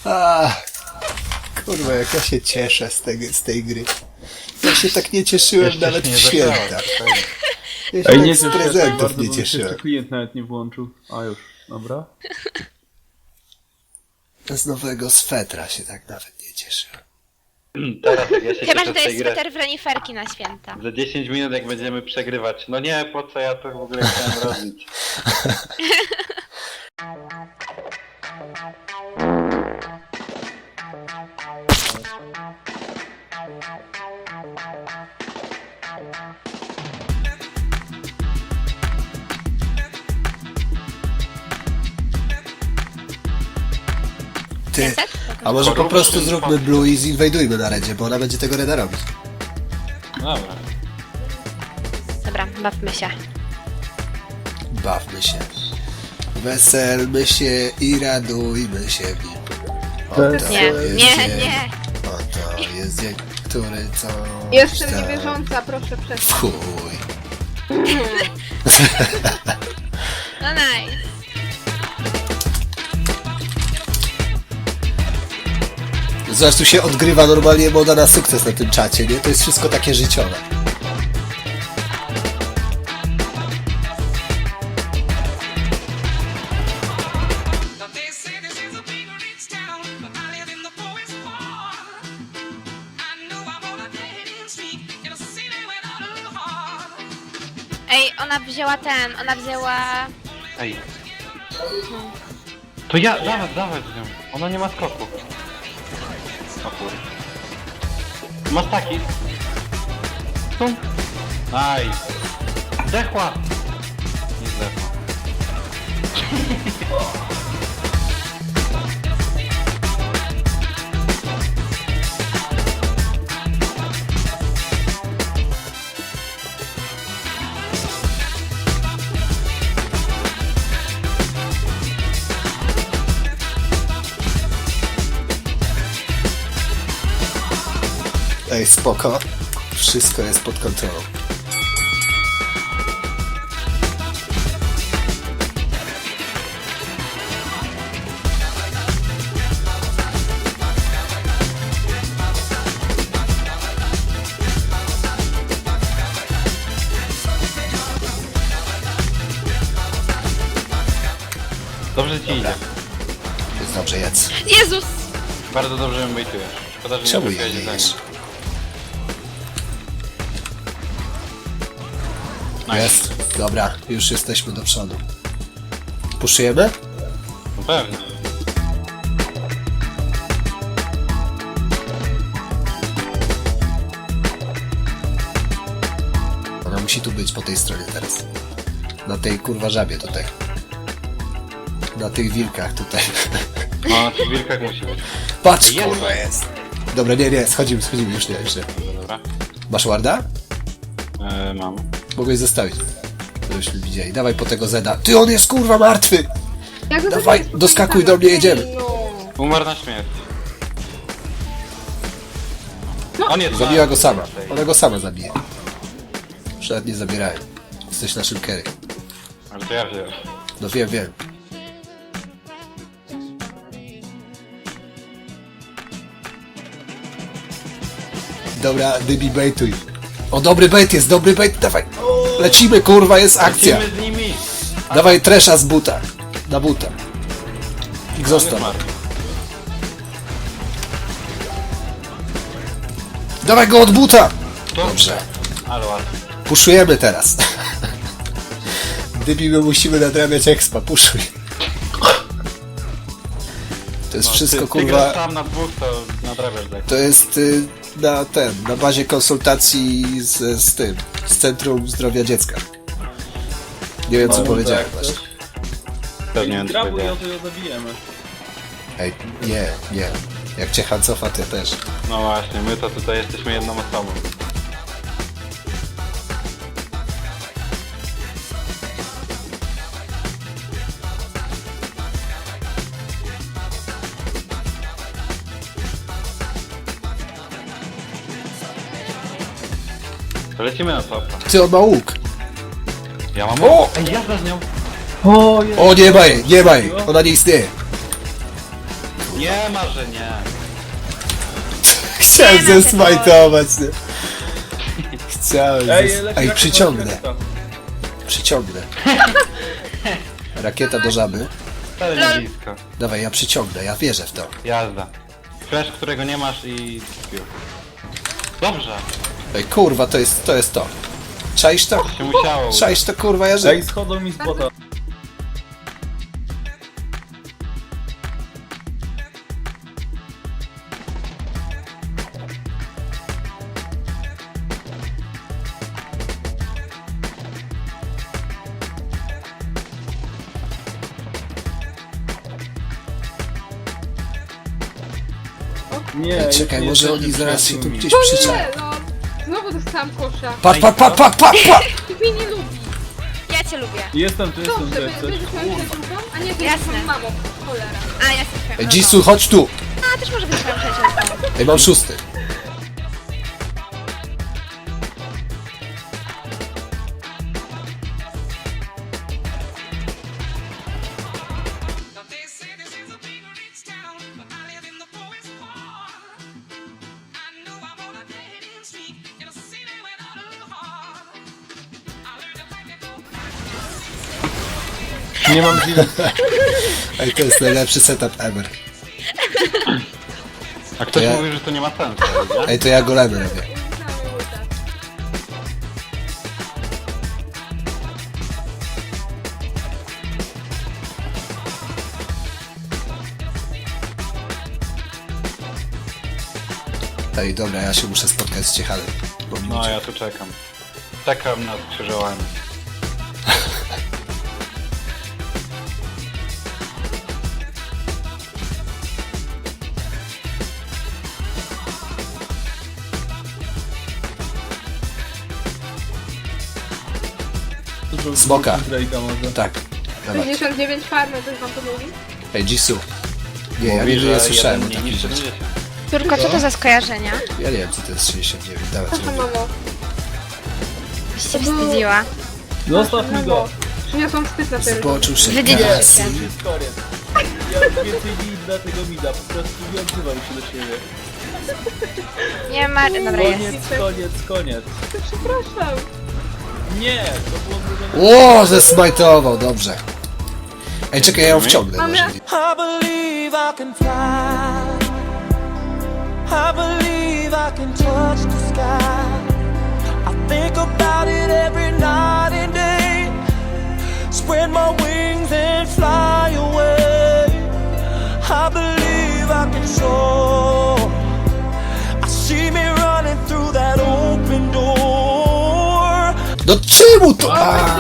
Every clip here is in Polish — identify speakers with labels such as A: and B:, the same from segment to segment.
A: A, kurwa, jak ja się cieszę z tej gry. Ja się tak nie cieszyłem
B: Jeszcze
A: nawet
B: się
A: w
B: nie
A: święta.
B: zagrałem.
A: Ja się
C: Ej,
A: tak
C: nie
A: z
C: wiem,
A: prezentów nie
C: Jeszcze
A: cieszyłem.
C: klient nawet nie włączył. A już, dobra.
A: Z nowego swetra się tak nawet nie cieszyłem.
B: Teraz jak ja się
D: Chyba,
B: cieszę
D: że
B: z
D: to
B: tej
D: jest
B: gry.
D: sweter w reniferki na święta.
B: Za 10 minut jak będziemy przegrywać. No nie, po co ja to w ogóle chciałem robić?
A: Ty, a może po prostu zróbmy Blue i zinwajdujmy na redzie, bo ona będzie tego reda robić.
B: Dobra.
D: Dobra, bawmy się.
A: Bawmy się. Weselmy się i radujmy się w nim. Oto
D: Nie,
A: jest
D: nie,
A: dzień,
D: nie.
A: Oto jest dzień, który co...
E: Jestem niewierząca, proszę przestać.
A: Chuj.
D: No nice.
A: Zobacz, tu się odgrywa normalnie moda na sukces na tym czacie, nie? To jest wszystko takie życiowe.
F: Now they say this is a big rich town, but I live in the poorest part. I know I'm on a dead end street in a city without a heart.
D: Ej, ona wzięła...
B: Ej. To ja, dawaj z nią. Ona nie ma skoku. O kurde. Masz taki. Tu. Nice. Zdechła. Nie zdechła.
A: Ej, spoko. Wszystko jest pod kontrolą.
B: Dobrze ci idzie.
A: Jest dobrze, jedz.
D: Jezus!
B: Bardzo dobrze ją bejtujesz. Szkoda, że
A: Czemu
B: nie
A: jej
B: trafiłeś
A: nie
B: za
A: jesz?
B: nim.
A: Jest. Dobra, już jesteśmy do przodu. Puszujemy?
B: No pewnie.
A: Ona musi tu być po tej stronie teraz. Na tej kurwa żabie tutaj. Na tych wilkach tutaj.
B: No, na tych wilkach musi być.
A: Patrz,
B: Jest.
A: kurwa jest. Dobra, nie, schodzimy, już nie.
B: Dobra.
A: Masz warda?
B: Mam.
A: Mogłeś zostawić. Żebyśmy widzieli. Dawaj po tego Zeda. Ty, on jest kurwa martwy!
E: Jak
A: Dawaj,
E: to jest
A: doskakuj do mnie, jedziemy.
E: No.
B: Umarł na śmierć. On jest
A: Zabiła go sama.
B: Tej.
A: Ona go sama zabije. Już nawet nie zabierają. Jesteś naszym carry.
B: Ale to ja wziąłem.
A: No wiem. Dobra, Dybi bejtuj. O, dobry bait jest, dawaj. Lecimy, kurwa, jest akcja.
B: Lecimy z nimi!
A: Dawaj tresza z buta. Na buta. I
B: On
A: zostaw.
B: jest martwy.
A: Dawaj go od buta. Dobrze.
B: Ale ładnie.
A: Puszujemy teraz. Dybi, my musimy nadrabiać expa, puszuj. To jest wszystko,
B: ty
A: kurwa...
B: grasz tam na dwóch, to nadrabiasz tak.
A: To jest na bazie konsultacji z Centrum Zdrowia Dziecka. Nie wiem, co
B: No,
A: powiedziałem
C: tak,
A: właśnie.
B: Pewnie wiem, co
C: Grabuj,
B: powiedziałem.
C: to ją zabijemy.
A: Ej, nie. Jak cię Han cofa, ty też.
B: No właśnie, my to tutaj jesteśmy jedną osobą. To lecimy na topa.
A: Ty, on ma łuk.
B: Ja mam...
A: O!
B: Ej, jazda z nią!
C: O, jest.
A: O, nie ma jej. Ona nie istnieje.
B: Nie ma, że nie.
A: Chciałem
D: Nie ma tego.
A: zesmajtować, nie? Chciałem
C: leci
A: Ej,
C: rakieta,
A: przyciągnę.
C: rakieta.
A: Przyciągnę. Rakieta do żaby.
B: Wcale
D: Lol.
B: nie blisko.
A: Dawaj, ja przyciągnę, ja wierzę w to.
B: Jazda. Flash, którego nie masz i... Dobrze.
A: Ej, kurwa, to jest to. Czaisz to?
B: Się musiało.
A: Czaisz to, kurwa, ja żyję.
C: Ej, schodzą mi z bota. Nie,
A: Ej, czekaj,
C: już
A: może
C: jesteśmy
A: oni zaraz się tu
C: przyjaciółmi.
A: gdzieś
E: O
A: przyczają.
E: nie, no. Znowu dostałam kosza.
A: Patrz, patrz, patrz, patrz, patrz, patrz!
E: Ty mnie nie lubi.
D: Ja cię lubię.
C: Jestem tu, jestem tu,
E: Dobrze,
C: jak coś.
E: będziesz moją przyjaciółką? A nie, ty
D: Jasne.
E: jesteś mamą. Cholera.
D: A, ja jestem twoją
A: Ej,
D: mamą.
A: Jisoo, chodź tu!
D: A, też może być twoją przyjaciółką.
A: Ej, mam 6.
F: Now they say this is a big rich town, but I live in the poorest part. I know I'm on a dead end street in a city without a heart. I learned to fight to go.
C: Nie mam chwili.
A: Ej, to jest najlepszy setup ever.
B: A ktoś
A: Ja-
B: mówi, że to nie ma sensu, nie?
A: Ej, to ja golemy robię.
E: Znamy ulta.
A: Ej, dobra, ja się muszę spotkać z Ciechalem. Bo mi
B: No,
A: uciekł.
B: ja tu czekam. Czekam na skrzyżowanie.
A: Smoka.
C: Drake'a może.
A: Tak. Dawaj.
E: 59 farmy, coś wam to mówi?
A: Ej, Jisoo. Nie, ja
B: Mówi,
A: nie,
B: że
A: nie słyszałem o
B: jeden mniej
A: takich
B: niż
A: rzeczach.
B: 70.
D: Turko, co to za skojarzenia?
A: Ja nie wiem, co to jest 69. Dawaj, co
E: Proszę,
A: robię.
E: mamo.
D: Byś się wstydziła.
C: Zostaw mi go.
E: Przyniosłam wstyd na ten.
A: Zboczuł się.
D: Wydziedziczył
A: gaz.
D: się.
C: Już jest koniec. Ja więcej nie dla tego mida, po prostu nie odzywam się do siebie.
D: Nie ma... Dobra, jest.
C: Koniec, koniec, koniec.
E: Przepraszam.
C: Nie, to było zrobione.
A: O, zesmajtował, dobrze. Ej, czekaj, ja ją wciągnę
E: Mamy-
A: może.
G: I believe I can fly. I believe I can touch the sky. I think about it every night and day. Spread my wings and fly away. I believe I can soar. I see me running through that open door.
A: No czemu to?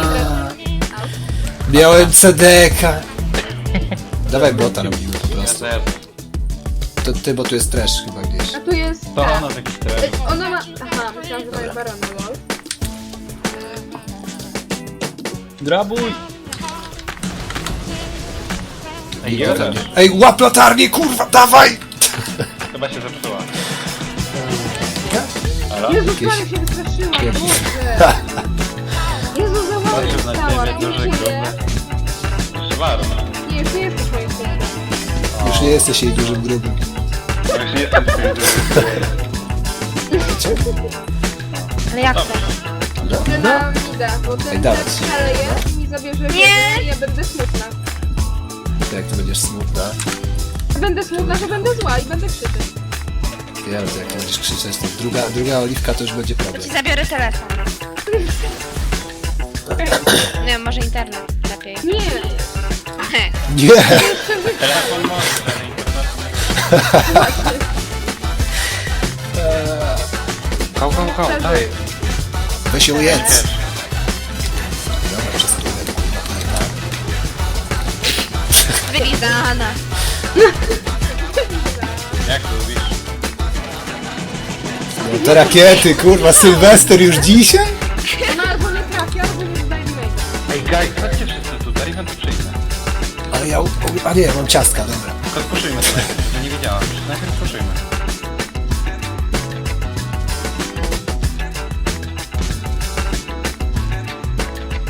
A: Miałem CDK. Dawaj bota robimy po
B: Ja
A: prostu.
B: też.
A: To ty, bo tu jest trash chyba gdzieś.
E: A tu jest...
B: To
E: ta.
B: ona taki tref.
E: Ona ma... Aha, myślałam, że ma jest barona, lol.
C: Drabuj!
B: Ej,
A: Nikt tam
B: jeden.
A: nie- Ej, łap latarnię, kurwa, dawaj!
B: Chyba się zepsuła.
E: Jezu,
A: Jakieś-
E: ale się wystraszyłam,
A: jakieś-
E: Boże. Jezu, za mało
B: Patrzył na
E: dostała,
B: ciebie, duży,
E: nie
B: gruby.
E: żyje.
B: Szwarny.
E: Nie, już nie jesteś moim kumplem.
A: Już nie jesteś jej dużym grubym.
B: Już nie jestem twoim
D: Ale jak to?
E: Idę na mida, bo ten
A: Ej, dawać.
E: szaleje i mi zabierze wiedzę i ja będę smutna.
A: To jak ty będziesz smutna,
E: Będę smutna, że będę zła i będę krzyczeć.
A: ja wiem, jak będziesz krzyczeć, to druga oliwka to już będzie
D: To
A: problem.
D: ci zabiorę telefon. Nie wiem, może internet lepiej.
E: Nie,
A: Nie!
B: Telefon może, ale internet nie. Hał, daj.
A: Weź ją jedz! Dobra, przez turę, kurwa, pojebałem.
D: Wylizana.
B: Jak lubisz?
A: No te rakiety, kurwa, Sylwester już dzisiaj?
E: ona albo nie trafi, albo nie zdaje mi wejść.
B: Ej, guys, chodźcie wszyscy tutaj, ja tu przyjdę.
A: Ale ja... A nie, mam ciastka, dobra.
B: Tylko spuszujmy to najpierw, ja nie wiedziałam. Najpierw spuszujmy.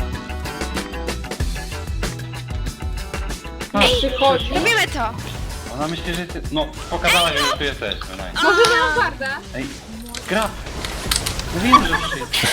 E: Przychodzi.
D: Robimy to.
B: Ona myśli, że ty... No, pokazałaś, że tu jesteśmy, no.
E: Może miałam warda?
B: Ej, gra! Mówiłem, że przyjdzie.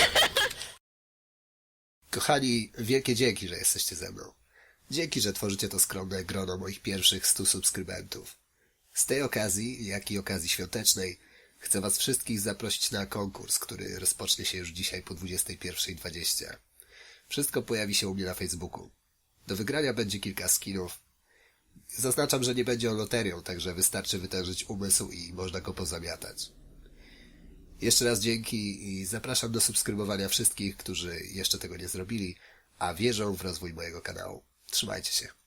A: Kochani, wielkie dzięki, że jesteście ze mną. Dzięki, że tworzycie to skromne grono moich pierwszych 100 subskrybentów. Z tej okazji, jak i okazji świątecznej, chcę was wszystkich zaprosić na konkurs, który rozpocznie się już dzisiaj po 21:20. Wszystko pojawi się u mnie na Facebooku. Do wygrania będzie kilka skinów. Zaznaczam, że nie będzie on loterią, także wystarczy wytężyć umysł i można go pozamiatać. Jeszcze raz dzięki i zapraszam do subskrybowania wszystkich, którzy jeszcze tego nie zrobili, a wierzą w rozwój mojego kanału. Trzymajcie się.